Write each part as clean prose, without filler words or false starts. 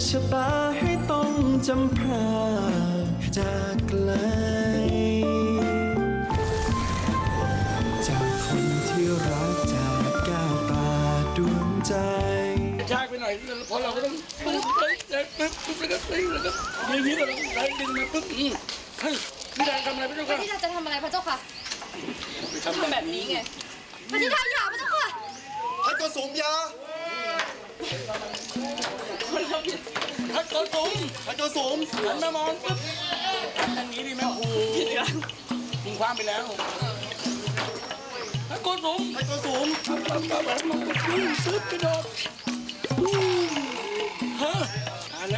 ชะตาให้ต้องจำพรากจากไกลจากคนที่รักจากแก้วตาดวงใจช้าไปหน่อยพอเราก็ต้องปึ๊บแล้วก็ตีแล้วก็อย่างนี้เราต้องไล่ดึงมาปึ๊บเฮ้ยพี่ดาทำอะไรพระเจ้าค่ะพี่ดาจะทำอะไรพระเจ้าค่ะทำแบบนี้ไงพระธิดาอย่าพระเจ้าค่ะท่านก็สูงยาถ้าเกิดสูงท่านก็สูงหันมามองปึ๊บทางนี้ดิแม่ครูยิงความไปแล้วถ้าเกิดสูงท่านก็สูงปั๊บมันซึบไปโดดฮะแล้ว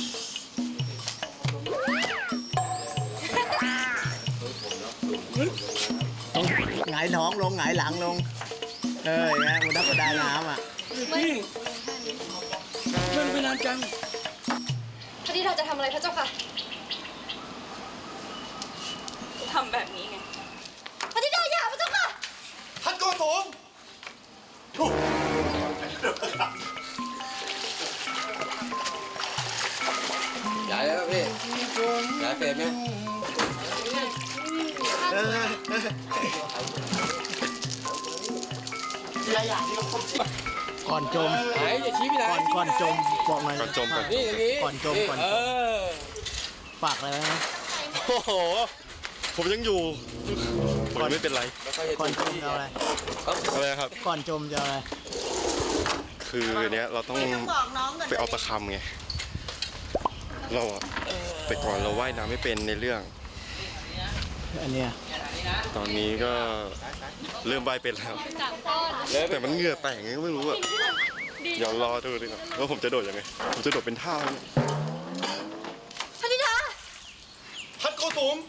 หงายท้องลงหงายหลังลงอย่างเงี้ยมันนักประดาน้ำอ่ะนี่มันไปนานจังพระธิดาจะทำอะไรพระเจ้าค่ะทำแบบนี้ไงพระธิดาอย่าพระเจ้าค่ะท่านก็สูงย้ายแล้วพี่ย้ายเฟรมไหมก่อนจมไหนอย่าชี้พี่ไหนก่อนจมบอกหน่อยก่อนจมก่อนนี่อย่างนี้ก่อนจมก่อนจมฝากอะไรไหมโอ้โห ผมยังอยู่ ผมยังไม่เป็นไรก่อนจมจะเอาอะไรอะไรครับก่อนจมจะเอาอะไรคือเนี้ยเราต้องไปเอาตะคำไง เราอะแต่ก่อนเราว่ายน้ำไม่เป็นในเรื่องอันเนี้ยตอนนี้ก็เริ่มว่ายเป็นแล้ว แต่มันเหงื่อแตกไงก็ไม่รู้อะเดี๋ยวรอดูดีกว่าว่าผมจะโดดยังไง ผมจะโดดเป็นท่าไหมพระธิดาท่านก็สูง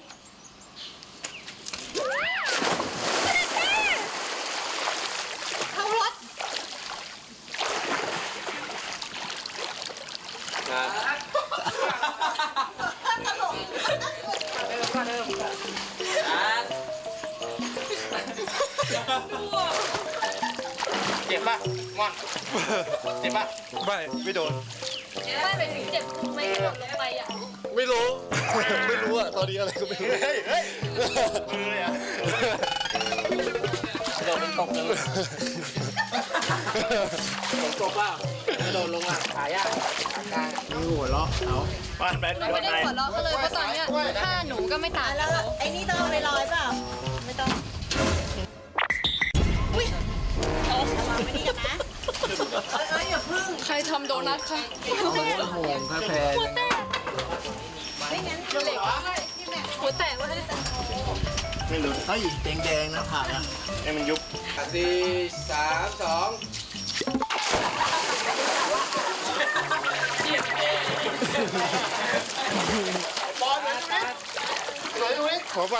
เขารถเจ็บป่ะม่อนเจ็บป่ะไม่โดนไม่ไปถึงเจ็บไหมที่หล่นลงไปอ่ะไม่รู้ ไม่รู้อะตอนนี้อะไรก็ไม่รู้เฮ้ยมือเลยอะโดนตกเลยฝนตกเปล่าโดนลงอ่ะขายากขากลางนี่หัวเราะเอาเราไม่ได้หัวเราะเขาเลยเพราะตอนเนี้ยถ้าหนูก็ไม่ต่างแล้วไอ้นี่ต้องเอาไปลอยเปล่าไม่ต้องอย่าพึ่งใครทำโดนัทคะโหงแพ้แพ้หัวแตกไม่งั้นเหล็กหัวแตกวะไม่รู้เฮ้ยแดงๆนะผักอ่ะให้มันยุบ 4 3 2 ขอไป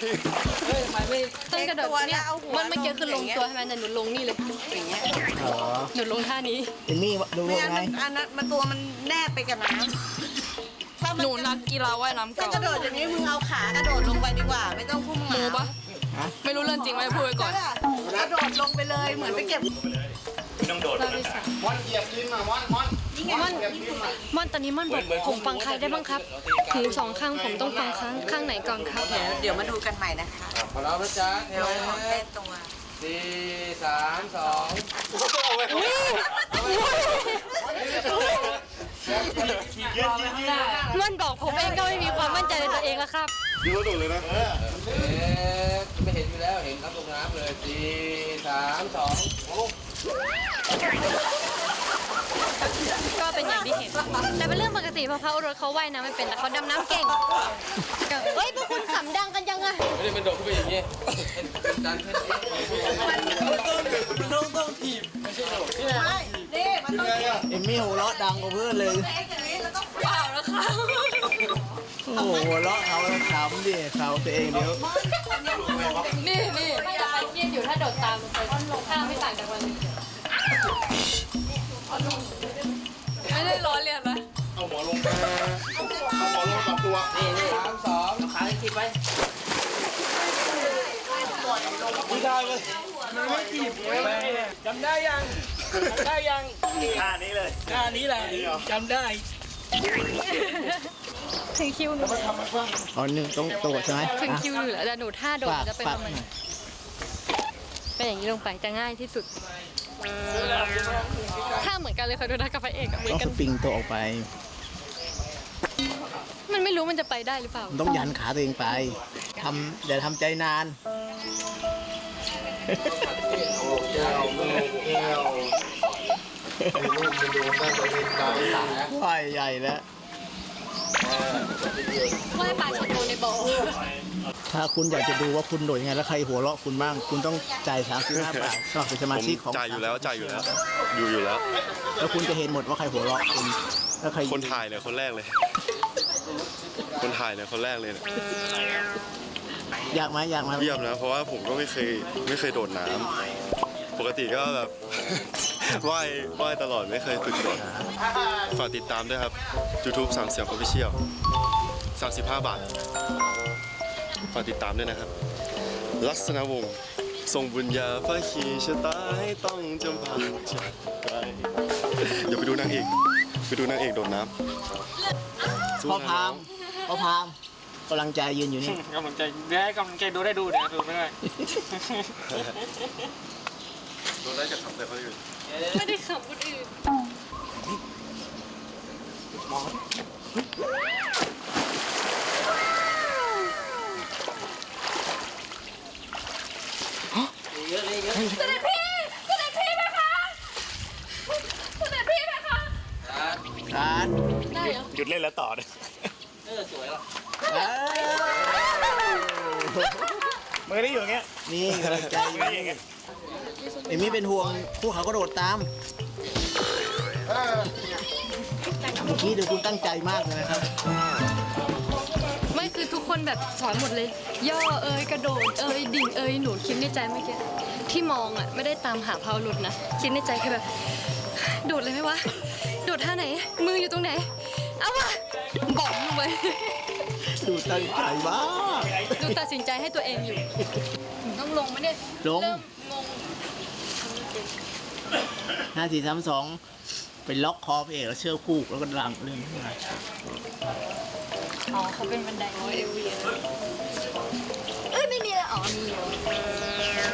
ต้องกระโดดเนี่ยมันเมื่อกี้คือลงตัวใช่ไหมแต่หนูลงนี่เลยอย่างเงี้ยอ๋อหนูลงท่านี้เอมมี่ดูไม่ว่างั้นไงมันอันนั้นมันตัวมันแนบไปกับน้ำถ้ามัหนูนักกีฬาว่ายน้ำจะเก่ากระโดดอย่างนี้มึงเอาขากระโดดลงไปดีกว่า ไม่ต้องพุ่งหนูมาปะไม่รู้เรื่องจริงไหมพูดไว้ก่อนกระโดดลงไปเลยเหมือนไปเก็บม่อนเหยียบดินมาม่อนม่อนตอนนี้ม่อนบอกผมฟังใครได้บ้างครับหูสองข้างผมต้องฟังข้างไหนก่อนครับเดี๋ยวมาดูกันใหม่นะคะพอแล้วนะจ๊ะเทลเลงของเต้นตัว 4 3 2 ม่อนบอกผมเองก็ไม่มีความมั่นใจในตัวเองแล้วครับยืดตัวเลยนะไม่เห็นอยู่แล้วเห็นครับลงน้ำเลย4 3 2 ก็เป็นอย่างที่เห็น แต่เป็นเรื่องปกติเพราะเขารถเขาว่ายน้ำไม่เป็นแต่เขาดำน้ำเก่งเฮ้ยพวกคุณขำดังกันยังไงไม่ได้เป็นโดดขึ้นไปอย่างนี้เป็นการเทนนิสต้องถีบไม่นี่มันต้องเก็บเอมมี่หัวเราะดังกว่าเพื่อนเลยอย่างนี้แล้วต้องเปล่าแล้วค่ะโอ้โหหัวเราะเขาแล้วขำดิเขาตัวเองเดี๋ยวนี่ไม่อยากไปเครียดอยู่ถ้าโดดตามลงไปลงข้างไม่ต่างจากวันนี้ไม่ได้ล้อเลียนนะเอาหัวลงกับตัวนี่3 2ขาคิดไว้ไม่ได้เลยมันไม่ถีบจำได้ยังท่านี้เลยท่านี้แหละจำได้ถึงคิวหนูอ๋อนี่ต้องกดใช่ไหมถึงอ่ะคิวหนูแล้วแต่หนูท่าโดดฝากจะเป็นฝากประมาณนี้เป็นอย่างนี้ลงไปจะง่ายที่สุดท่าเหมือนกันเลยค่ะดูนะกับพระเอกอะเหมือต้อน งกัสนปริงตัวออกไปมันไม่รู้มันจะไปได้หรือเปล่ามันต้องยันขาตัวเองไปอย่าทำใจนานว่ายใหญ่แล้วว่ายปลาชะโดในบ่อถ้าคุณอยากจะดูว่าคุณโดดยังไงแล้วใครหัวเราะคุณบ้าง คุณต้องจ่าย35 บาทสมัครเป็นสมาผมชิกของจ่ายอยู่แล้วอยู่แล้วแล้วคุณจะเห็นหมดว่าใครหัวเราะคุณแล้วใครคนถ่ายเนี่ยคนแรกเลย คนถ่ายเนี่ยคนแรกเลยเนี่ยอยากไหมเยี่ยมนะเพราะว่าผมก็ไม่เคยโดดน้ำปกติก็แบบ ว่ายตลอดไม่เคยฝึกโดดฝากติดตามด้วยครับ YouTube 3 เสียง Official 35 บาทฝากติดตามด้วยนะครับ ลักษณะวงศ์ทรงบุญญาฟ้าขีชะตาให้ต้องจำพาจากไกลอย่าไปดูนางเอกโดดน้ำสู้พ่อนะพาน้มองพ่อพามกำลังใจยืนอยู่นี่กำลังใจได้กำลังใจดูได้ดูเดี๋ยวดูไม่ได้โดนได้จากคำแต่คนอื่นไม่ได้ขับคนอื่นเยอะเลยเยอะเสด็จพี่ไหมคะเสด็จพี่ไหมคะการได้เหรอหยุดเล่นแล้วต่อเลยสวยแล้วมือได้อยู่อย่างเงี้ยนี่กำลังใจอยู่นี่เอมี่เป็นห่วงพวกเขาก็โดดตามเมื่อกี้เดี๋ยวคุณตั้งใจมากเลยนะครับไม่คือทุกคนแบบสอนหมดเลย ย่อกระโดดดิ่งหนูคิดในใจเมื่อกี้ที่มองอ่ะไม่ได้ตามหาเพาหลุดนะคิดในใจแค่แบบ โดดเลยไหมวะโดดท่าไหน มืออยู่ตรงไหนเอาวะบอกลงไปดูตั้งใจมากดูตัดสินใจให้ตัวเองอยู่ต้องลงไหมเนี่ยลงเริ่มงง 5 4 3 2ไปล็อกคอพระเอกแล้วเชือกผูกแล้วก็ลังเรื่องขึ้นมาอ๋อเขาเป็นบันไดโอเอวีเอ้ยไม่มีแล้วอ๋อมีอยู่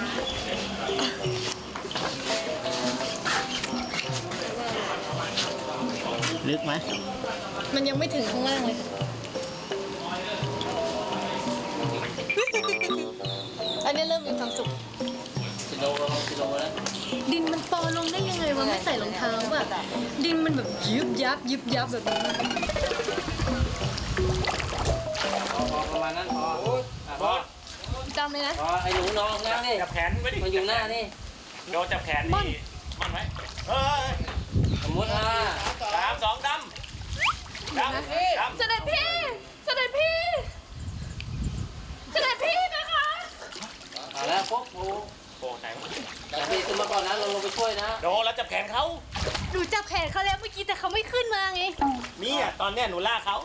ลึกไหมมันยังไม่ถึงข้างล่างเลย อันนี้เริ่มมีความสุขกิโลแล้วดินมันปอลงได้ยังไงวะไม่ใส่รองเท้าแบบดินมันแบบยึบยับแบบนี้พอประมาณนั้นพอจำเลยนะพอไอ้หนูน้องนั่งนี่จับแขนไว้ดิมาอยู่หน้านี่โดนจับแขนนี่มันไว้เฮ้ยสมมติว่า 3 2ดำเสด็จพี่นะคะเอาแล้วปุ๊บโอ้โอ้ไหนแต่พี่ขึ้นมาก่อนนะเราลงไปช่วยนะโดนแล้วจับแขนเขาหนูจับแขนเขาแล้วเมื่อกี้แต่เขาไม่ขึ้นมาไงนี่อ่ะตอนเนี้ยหนูลากเขา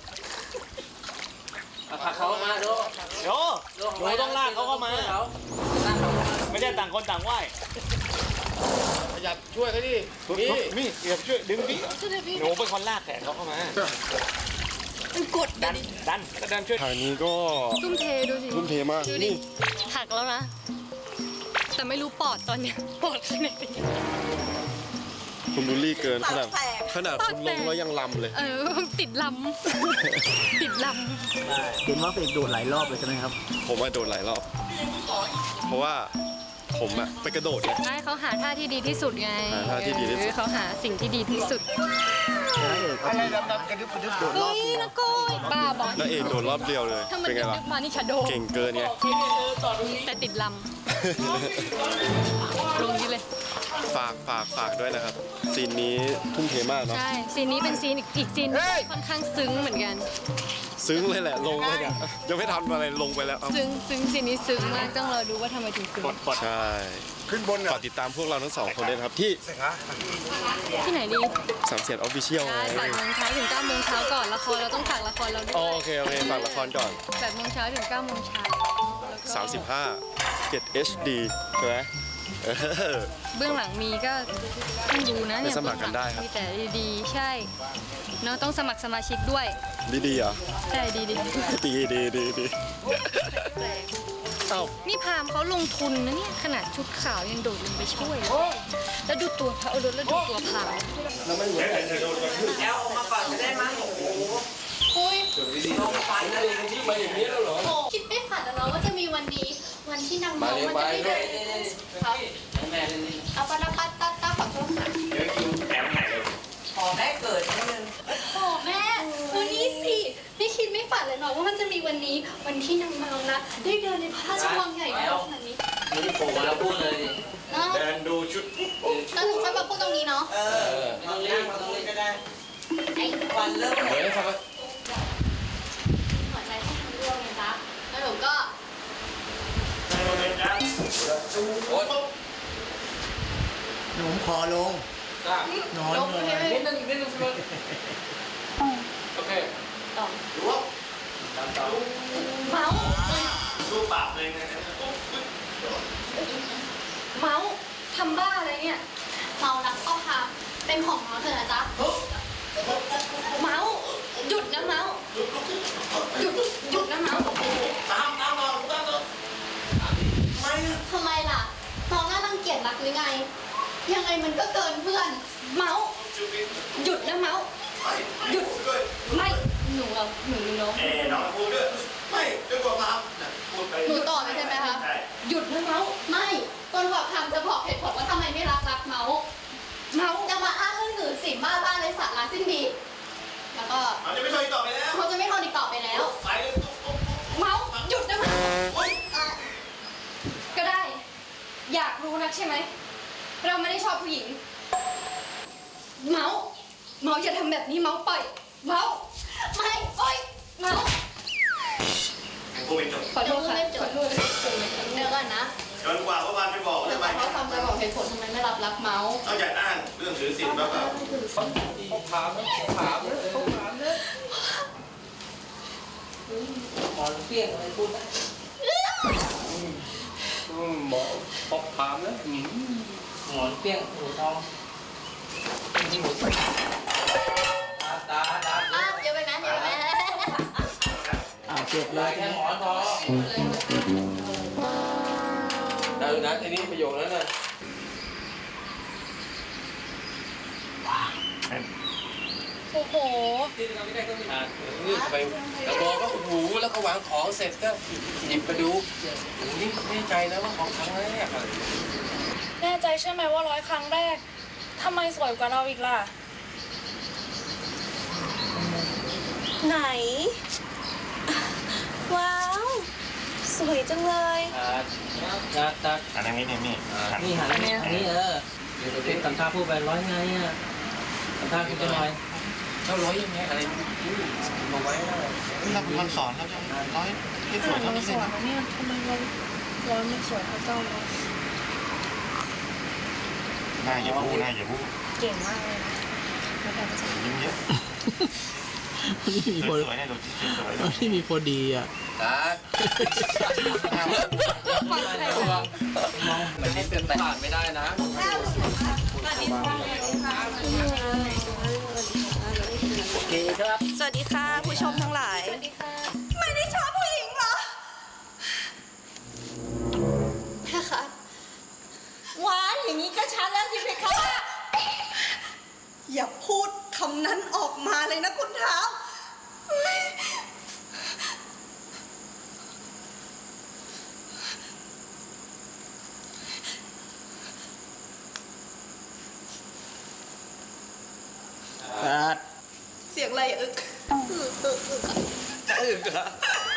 ผลักเขามาดูโยหนูต้องลากเขาเข้ามา ไม่ใช่ต่างคนต่างไหวอยากช่วยเขาดินี่อยากช่วยดึงดิหนูเป็นคนลากแขนเขาเข้ามามันกดดันก็ดันช่วยทางนี้ก็ทุ่มเทดูสิทุ่มเทมากดูดินี่หักแล้วนะ แต่ไม่รู้ปอดตอนเนี้ยปอดข้างในเป็นยังไงคุณบูลลี่เกินขนาดปากแตกคุณลงแล้วยังลำเลยติดลำ ติดลเห็นว่าพระเอกโดดหลายรอบเลยใช่ไหมครับผมมาโดดหลายรอบ เพราะว่าผมอะไปกระโดดไงำให้เขาหาท่าที่ดีที่สุดไงหาท่าที่ดีที่สุดเขาหาสิ่งที่ดีที่สุดพระเอกก็โดดรอบเฮ้ยเดียวนะโก้ยบ้าบอลแล้วเอกโดดรอบเดียวเลยถ้ามันเป็นไงดึล่ะกมานี่ชาโดเก่งเกินไงแต่ติดลำ ลงนี้เลยฝากด้วยนะครับ ซีนนี้ทุ่มเทมากเนาะใช่ ซีนนี้เป็นซีนอีกซีนหนึ่งที่ค่อนข้างซึ้งเหมือนกันซึ้งเลยแหละ ลงไปเนี่ยยังไม่ทันอะไรลงไปแล้วเอาซึ้งซีนนี้ซึ้งมาก ต้องรอดูว่าทำไมถึงซึ้งใช่ ขึ้นบนฝากติดตามพวกเราทั้งสองคนด้วยนะครับ ที่ที่ไหนดีสามเสียนออฟฟิเชียลใช่8 โมงเช้าถึง 9 โมงเช้าก่อน ละครเราต้องฝากละครเราด้วยโอเคฝากละครก่อน 8 โมงเช้าถึง 9 โมงเช้าแล้วก็ 35 7 HD ใช่ไหมเออเบื้องหลังมีก็ต้องดูนะเนี่ยไปสมัครกันได้ครับมีแต่ดีๆ ใช่เนาะต้องสมัครสมาชิกด้วยดีๆเหรอใช่ดีดี เอ้านี่พามเขาลงทุนนะเนี่ยขนาดชุดขาวยังโดดลงไปช่วยเลยแล้วดูตัวเขาแล้วดูตัวพามแอลออกมาก่อนจะได้มั้งโอ้โหคุยลงไปนะเลยที่มาอย่างนี้แล้วเหรอคิดไม่ฝันนะว่าจะมีวันนี้วันที่นางเมามันจะได้เดินครับแม่เล่นนี่เอาปะละปัตตาตาขอโทษค่ะขอแม่เกิดนิดนึงโอ้แม่วันนี้สิไม่คิดไม่ฝันเลยเนาะว่ามันจะมีวันนี้วันที่นางเมานะได้เดินในพระราชวังใหญ่ขนาดนี้นี่โผล่มาแล้วพูดเลยดิเนาะเดินดูชุดแล้วถึงค่อยมาพูดตรงนี้เนาะมาตรงนี้มาตรงนี้ก็ได้ไอ้วันเริ่มเหมือนครับหัวใจที่ทำร่วงไงจ๊ะแล้วหนูก็โอ๊ยหนุ่มคอลงจ้านอนลงเลให้ยนิดนึงใช่ไหมโอเคต่อรู้ว่าเมาส์รูปปากเลยเมาส์ทำบ้าอะไรเนี่ยเมารักพ่อพาเป็นของเมาส์เถอะนะจ๊ะเมาส์หยุดนะเมาส์หยุดนะเมาส์ตามมาทำไมล่ะน้องน่ารังเกียจรักหรือไง ยังไงมันก็เกินเพื่อน เมาส์หยุดนะเมาส์หยุดไม่หนูเหรอหนูเนาะน้องพูดด้วยไม่จะกลัวมาพูดไปหนูต่อเลยใช่ไหมคะหยุดนะเมาส์ไม่จนกว่าคำจะบอกเหตุผลว่าทำไมไม่รักเมาส์เมาส์จะมาอ้างเรื่องหนึ่งสิ่งบ้าบ้าในสาระสิ้นดี แล้วก็เขาจะไม่ชอบอีกต่อไปแล้วเขาจะไม่ทนอีกต่อไปแล้วไปเลยเมาส์หยุดนะเมาส์ก็ได้ อยากรู้นักใช่ไหมเราไม่ได้ชอบผู้หญิง เมาส์อย่าทำแบบนี้เมาส์ปล่อยเมาส์ไม่โอ๊ยเมาส์กูเป็นจบขอโทษค่ะขอโทษเดี๋ยวก่อนนะจนกว่าวันไปบอกเดี๋ยวทำไมก่อนเขาทำจะบอกเหตุผลทำไมไม่รับรักเมาส์นอกจากอ้างเรื่องถือศีลแล้วก็ถามหมอนเปี้ยงอะไรพูดได้หมอปอกถามนะหมอนเปี้ยงหูทองตาอ้าวอย่าไปนะอย่าไปนะเจ็บเลยแค่หมอนทองได้นะทีนี้ประโยคนั้นน่ะโอ้โหนี่ไปแล้วบอกก็หูแล้วก็วางของเสร็จก็หยิบมาดูโอ้นี่แน่ใจนะว่าของครั้งแรกอะไรแน่ใจใช่ไหมว่า100 ครั้งแรก ทำไมสวยกว่าเราอีกล่ะ ไหน ว้าว สวยจังเลยตักอันนี้นี่นี่หันอันนี้เดี๋ยวเป็นทำท่าพูดไปร้อยไงอ่ะทำท่าคุณจะหน่อยเท่าร้อยยังไงอะไรมาไว้มันสอนแล้วจะร้อยที่สวยเท่านี้เลยนะเนี่ยทำไมเราไม่สวยเท่าเจ้าเราหน้าอย่าพูดหน้าอย่าพูดเก่งมากเลยนะแล้วแต่จะยิ้มเยอะนี่มีคนสวยๆเนี่ยดูสวยที่มีคนดีอ่ะตักมันนี่เป็นไปผ่านไม่ได้นะโอเคครับสวัสดีค่ะ ผู้ชมทั้งหลาย ไม่ได้ชอบผู้หญิงเหรอแม่คะว้ายอย่างนี้ก็ชัดแล้วสิเพคะอย่าพูดคำนั้นออกมาเลยนะคุณเท้าเฮ้ยตัดเสียงอะไรอึกจะอึกเหรอ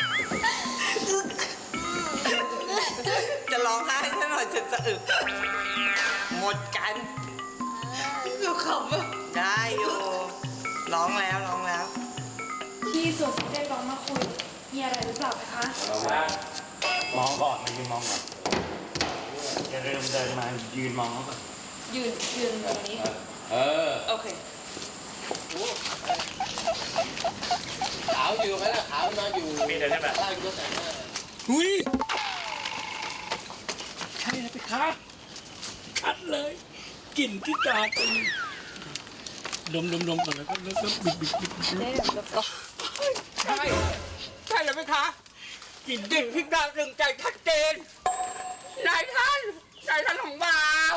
จะร้องไห้ให้หน่อยจะอึกหมดกันก็ขำได้อยู่ร้องแล้วพี่สวนสเตร้องมาคุย มีอะไรหรือเปล่าคะมองก่อนมายืนมองก่อนอย่าเริ่มเดินมายืนมองเขาก่อนยืนตรงนี้โอเคขาวอยู่ไหมล่ะขาวนอนอยู่มีแต่ใช่ไหมล่างก็แต่งหน้าหุ้ยใช่เลยไปครับชัดเลยกลิ่นที่ตาตึงดมก่อนแล้วก็บิดใช่ใช่เลยไหมคะกลิ่นดิ่งพริกดาวดึงใจชัดเจนนายท่านของบ่าวน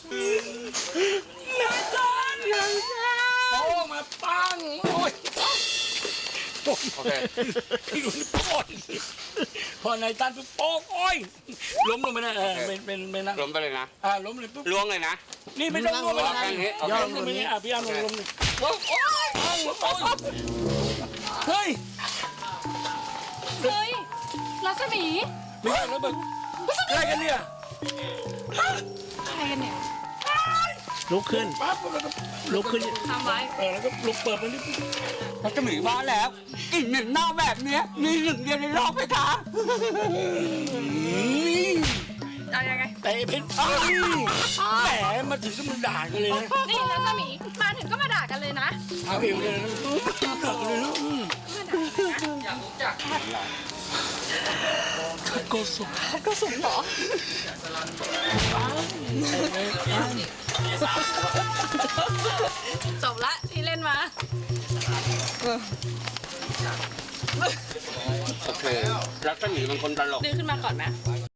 ายท่านโอ้มาปังโอ้ยโอเคที่ดูนี่โอ้ยพอนายท่านปุ๊บโอ้ยล้มลงไปนะเป็นนะล้มไปเลยนะล้มเลยปุ๊บล้วงเลยนะนี่ไม่ต้องล้มไปเอานะแค่นี้โอเคล้มลงไปนี่พี่อาร์มลงนี่เฮ้ยเฮ้ย รัศมีไม่ใช่แล้วแบบอะไรกันเนี่ยใครกันเนี่ยลุกขึ้นปั๊บแล้วก็ลุกขึ้นทำไว้แล้วก็ลุกเปิดมันนี่เขาจะหมีมาแล้วกลิ่นเหม็นเน่าแบบเนี้ยมีหนึ่งเดียวในโลกไหมคะเอายังไงเตะเพชรแหมมาถึงก็มันด่ากันเลยนะนี่รัศมี มาถึงก็มาด่ากันเลยนะเอาเอวเลยนะด่ากันเลยนะโกสุก็สูงเหรอ จบละที่เล่นมาโอเครักษมีเป็นคนตลกดึงขึ้นมาก่อนไหม